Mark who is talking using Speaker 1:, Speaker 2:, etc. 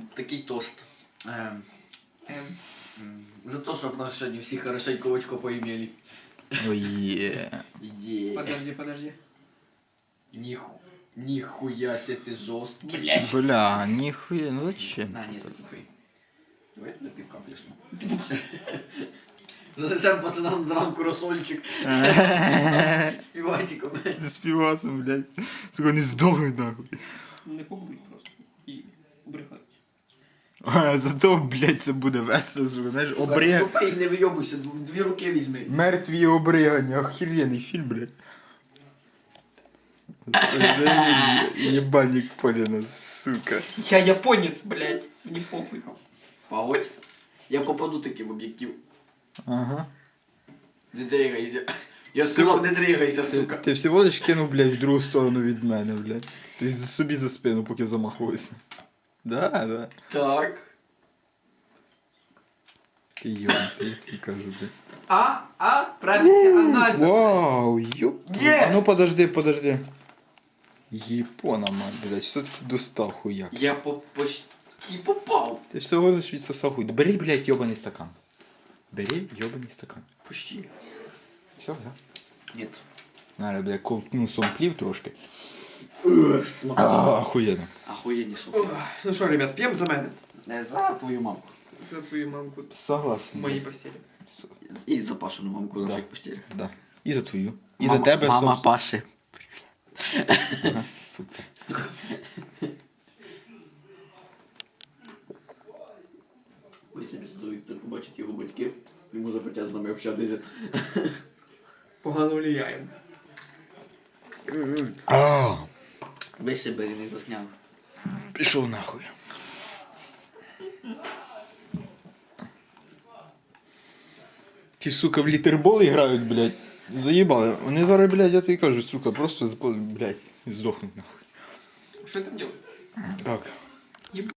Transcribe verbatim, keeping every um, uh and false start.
Speaker 1: такий тост. Ем,
Speaker 2: Ем.
Speaker 1: м, За те, щоб нас сьогодні всі хорошенько очко поімели.
Speaker 3: Ой, є.
Speaker 1: Є.
Speaker 2: Подожди, подожди.
Speaker 1: Ніху... Ніхуя се ти жорсткий. Блять.
Speaker 3: Бля, ніхуя, ну зачем?
Speaker 1: На, ні, ти тупий. Давай туди півка плесну. Занесем пацанам зранку розсольчик. З піватиком.
Speaker 3: З півасом, блядь. Сука, не здохнуть нахуй.
Speaker 2: Не побудь просто. І убрехать.
Speaker 3: А, зато, блядь, це буде весело, сука, знаєш, обриг...
Speaker 1: Тупий, не вийобуйся, дв- дві руки візьми.
Speaker 3: Мертві обригання, охеренний фільм, блядь. Ебальник Полина, сука.
Speaker 2: Я японец, блядь. Мені похуй.
Speaker 1: Погодь. Я попаду таки в об'єктив.
Speaker 3: Ага.
Speaker 1: Не дригайся. Я сказав, не дригайся,
Speaker 3: Ти,
Speaker 1: сука.
Speaker 3: ти всього лиш кинув, блядь, в другу сторону від мене, блядь. Ти собі за спину, поки замахувався. Да, да.
Speaker 1: Так.
Speaker 3: Ти йом, ти, ти кажу, блядь.
Speaker 2: А, а, професіонально.
Speaker 3: Вау, ёп.
Speaker 1: Є!
Speaker 3: А ну подожди, подожди. Єпона, мать, блядь, що ти достав хуяк?
Speaker 1: Я по почти попав.
Speaker 3: Ти всього лиш відсосав хуй. Бери, блядь, йобаний стакан. Бери йобаний стакан.
Speaker 1: Почти.
Speaker 3: Все, да?
Speaker 1: Нет.
Speaker 3: Надо, блядь, ковтну сомплів трошки.
Speaker 1: Ух, смак.
Speaker 3: А, охуєнно.
Speaker 1: Охуєнні, сука.
Speaker 2: Ох, ну що, ребят, п'ємо за мене.
Speaker 1: Не за твою мамку.
Speaker 2: За твою мамку в
Speaker 3: Согласен.
Speaker 2: моїй постелі.
Speaker 1: І за Пашину мамку на
Speaker 3: Да.
Speaker 1: всіх постелях.
Speaker 3: Да. І за твою. І
Speaker 1: Мама-
Speaker 3: за тебе,
Speaker 1: Мама
Speaker 3: собственно.
Speaker 1: Паши.
Speaker 3: Ага, сука.
Speaker 1: Ви собі здують, це побачить його батьки. Йому запретять з нами общатися.
Speaker 2: Погано влияємо.
Speaker 3: А,
Speaker 1: Вище бери, не засняв.
Speaker 3: пішов нахуй. Ті, сука, в літерболи грають, блядь. Заїбали. Вони зараз, блядь, я тобі кажу, сука, просто, блядь, здохнуть нахуй.
Speaker 2: Що там робиш?
Speaker 3: Так.